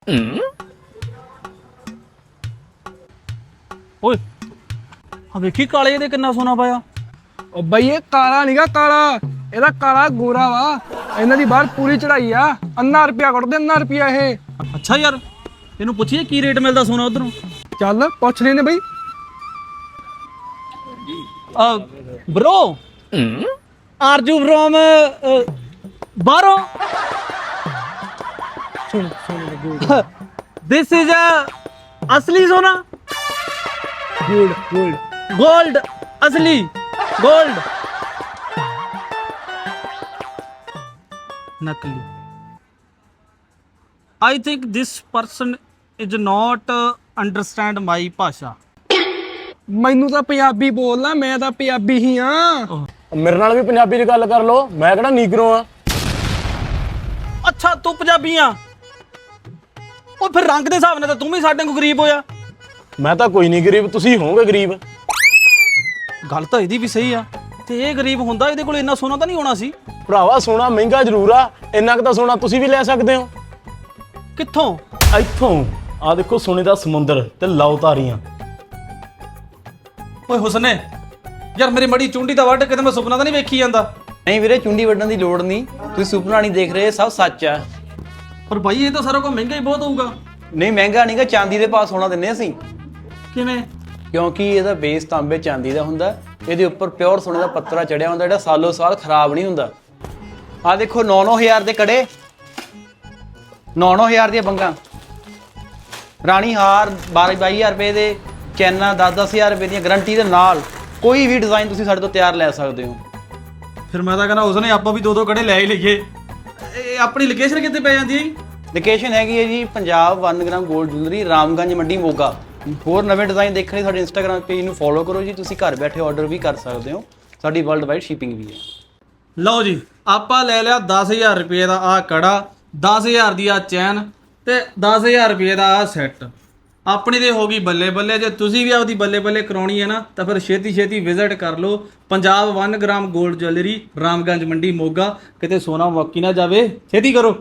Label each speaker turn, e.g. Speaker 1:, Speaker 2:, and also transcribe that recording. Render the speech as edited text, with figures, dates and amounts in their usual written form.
Speaker 1: ਓਏ ਆ ਵੇਖੀ ਕਾਲੇ ਇਹਦੇ ਕਿੰਨਾ ਸੋਨਾ ਪਾਇਆ।
Speaker 2: ਉਹ ਬਈ ਇਹ ਕਾਲਾ ਨੀਗਾ ਕਾਲਾ, ਇਹਦਾ ਕਾਲਾ ਗੋਰਾ ਵਾ। ਇਹਨਾਂ ਦੀ ਬਾਹਰ ਪੂਰੀ ਚੜਾਈ ਆ। ਅੰਨਾ ਰੁਪਿਆ ਕੱਢਦੇ, ਅੰਨਾ ਰੁਪਿਆ ਇਹ।
Speaker 1: ਅੱਛਾ ਯਾਰ, ਇਹਨੂੰ ਪੁੱਛੀਏ ਕੀ ਰੇਟ ਮਿਲਦਾ ਸੋਨਾ ਉਧਰੋਂ।
Speaker 2: ਚੱਲ ਪੁੱਛ ਲੈਨੇ ਬਈ।
Speaker 1: ਬ్రో ਆਰ ਯੂ ਫਰੋਮ ਬਾਹਰੋਂ?
Speaker 2: ਸੁਣ ਸੁਣ
Speaker 1: ਦਿਸ ਇਜ਼ ਅਸਲੀ ਸੋਨਾ?
Speaker 2: ਗੋਲਡ ਗੋਲਡ
Speaker 1: गोल्ड, असली गोल्ड, नकली। I think this person is not understand my भाषा।
Speaker 2: ਮੈਨੂੰ ਤਾਂ ਪੰਜਾਬੀ ਬੋਲਣਾ, ਮੈਂ ਤਾਂ ਪੰਜਾਬੀ ਹੀ ਆ।
Speaker 3: ਮੇਰੇ ਨਾਲ ਵੀ ਪੰਜਾਬੀ ਚ ਗੱਲ ਕਰ ਲੋ, ਮੈਂ ਕਿਹੜਾ ਨੀਗਰੋ ਆ।
Speaker 1: ਅੱਛਾ ਤੂੰ ਪੰਜਾਬੀ ਆ? ਉਹ ਫਿਰ ਰੰਗ ਦੇ ਹਿਸਾਬ ਨਾਲ ਤਾਂ ਤੂੰ ਵੀ ਸਾਡੇ ਕੋਲ ਗਰੀਬ ਹੋਇਆ।
Speaker 3: ਮੈਂ ਤਾਂ ਕੋਈ ਨਹੀਂ ਗਰੀਬ, ਤੁਸੀਂ ਹੋਵੋਗੇ ਗਰੀਬ।
Speaker 1: ਗੱਲ ਤਾਂ ਇਹਦੀ ਵੀ ਸਹੀ ਆ, ਤੇ ਇਹ ਗਰੀਬ ਹੁੰਦਾ ਇਹਦੇ ਕੋਲ ਇੰਨਾ ਸੋਨਾ ਤਾਂ ਨਹੀਂ ਹੋਣਾ ਸੀ।
Speaker 3: ਭਰਾਵਾ ਸੋਨਾ ਮਹਿੰਗਾ ਜ਼ਰੂਰ ਆ, ਇੰਨਾ ਕੁ ਤਾਂ ਸੋਨਾ ਤੁਸੀਂ ਵੀ ਲੈ ਸਕਦੇ ਹੋ।
Speaker 1: ਕਿੱਥੋਂ?
Speaker 3: ਇੱਥੋਂ ਆ ਦੇਖੋ, ਸੋਨੇ ਦਾ ਸਮੁੰਦਰ ਤੇ ਲਓ ਤਾਰੀਆਂ।
Speaker 1: ਓਏ ਹੁਸਨੇ ਯਾਰ, ਮੇਰੀ ਮੜੀ ਚੁੰਡੀ ਦਾ ਵੱਢ ਕਿਤੇ ਮੈਂ ਸੁਪਨਾ ਤਾਂ ਨਹੀਂ ਵੇਖੀ ਜਾਂਦਾ।
Speaker 4: ਨਹੀਂ ਵੀਰੇ, ਚੁੰਡੀ ਵੱਢਣ ਦੀ ਲੋੜ ਨਹੀਂ, ਤੁਸੀਂ ਸੁਪਨਾ ਨਹੀਂ ਦੇਖ ਰਹੇ, ਸਭ ਸੱਚ ਆ।
Speaker 1: ਪਰ ਬਾਈ ਇਹ ਤਾਂ ਸਾਰਾ ਕੁਝ ਮਹਿੰਗਾ ਹੀ ਬਹੁਤ ਹੋਊਗਾ।
Speaker 4: ਨਹੀਂ ਮਹਿੰਗਾ ਨਹੀਂਗਾ, ਚਾਂਦੀ ਦੇ ਭਾਅ ਸੋਨਾ ਦਿੰਨੇ ਅਸੀਂ।
Speaker 1: ਕਿਵੇਂ?
Speaker 4: ਕਿਉਂਕਿ ਇਹਦਾ ਬੇਸ ਤਾਂਬੇ ਚਾਂਦੀ ਦਾ ਹੁੰਦਾ, ਇਹਦੇ ਉੱਪਰ ਪਿਓਰ ਸੋਨੇ ਦਾ ਪੱਤਰਾ ਚੜਿਆ ਹੁੰਦਾ, ਜਿਹੜਾ ਸਾਲੋ ਸਾਲ ਖਰਾਬ ਨਹੀਂ ਹੁੰਦਾ। ਆਹ ਦੇਖੋ 9-9000 ਦੇ ਕੜੇ, 9-9000 ਦੀਆਂ ਬੰਗਾਂ, ਰਾਣੀ ਹਾਰ 12-22000 ਰੁਪਏ ਦੇ, ਚੈਨਾਂ 10-10000 ਰੁਪਏ ਦੀਆਂ ਗਰੰਟੀ ਦੇ ਨਾਲ। ਕੋਈ ਵੀ ਡਿਜ਼ਾਈਨ ਤੁਸੀਂ ਸਾਡੇ ਤੋਂ ਤਿਆਰ ਲੈ ਸਕਦੇ ਹੋ।
Speaker 1: ਫਿਰ ਮੈਂ ਤਾਂ ਕਹਿੰਦਾ ਉਸਨੇ ਆਪਾਂ ਵੀ 2-2 ਕੜੇ ਲੈ ਹੀ ਲਈਏ। ਇਹ ਆਪਣੀ ਲੋਕੇਸ਼ਨ ਕਿੱਥੇ ਪੈ ਜਾਂਦੀ ਹੈ?
Speaker 4: ਲੋਕੇਸ਼ਨ ਹੈਗੀ ਹੈ ਜੀ Punjab 1 gram gold jewellery, Ramganj Mandi Moga. ਹੋਰ ਨਵੇਂ ਡਿਜ਼ਾਈਨ ਦੇਖਣ ਲਈ ਸਾਡੇ ਇੰਸਟਾਗ੍ਰਾਮ ਪੇਜ ਨੂੰ ਫੋਲੋ ਕਰੋ ਜੀ। ਤੁਸੀਂ ਘਰ ਬੈਠੇ ਆਰਡਰ ਵੀ ਕਰ ਸਕਦੇ ਹੋ, ਸਾਡੀ ਵਰਲਡ ਵਾਈਡ ਸ਼ਿਪਿੰਗ ਵੀ ਹੈ।
Speaker 1: ਲਓ ਜੀ, ਆਪਾਂ ਲੈ ਲਿਆ 10000 ਰੁਪਏ ਦਾ ਆਹ ਕੜਾ, 10000 ਦੀ ਆ ਚੈਨ ਤੇ 10000 ਰੁਪਏ ਦਾ ਆਹ ਸੈੱਟ। ਆਪਣੀ ਤੇ ਹੋ ਗਈ ਬੱਲੇ ਬੱਲੇ। ਜੇ ਤੁਸੀਂ ਵੀ ਆਪਦੀ ਬੱਲੇ ਬੱਲੇ ਕਰਾਉਣੀ ਹੈ ਨਾ, ਤਾਂ ਫਿਰ ਛੇਤੀ ਛੇਤੀ ਵਿਜ਼ਿਟ ਕਰ ਲਓ Punjab 1 gram gold jewellery, Ramganj Mandi Moga. ਕਿਤੇ ਸੋਨਾ ਮੁੱਕ ਹੀ ਨਾ ਜਾਵੇ, ਛੇਤੀ ਕਰੋ।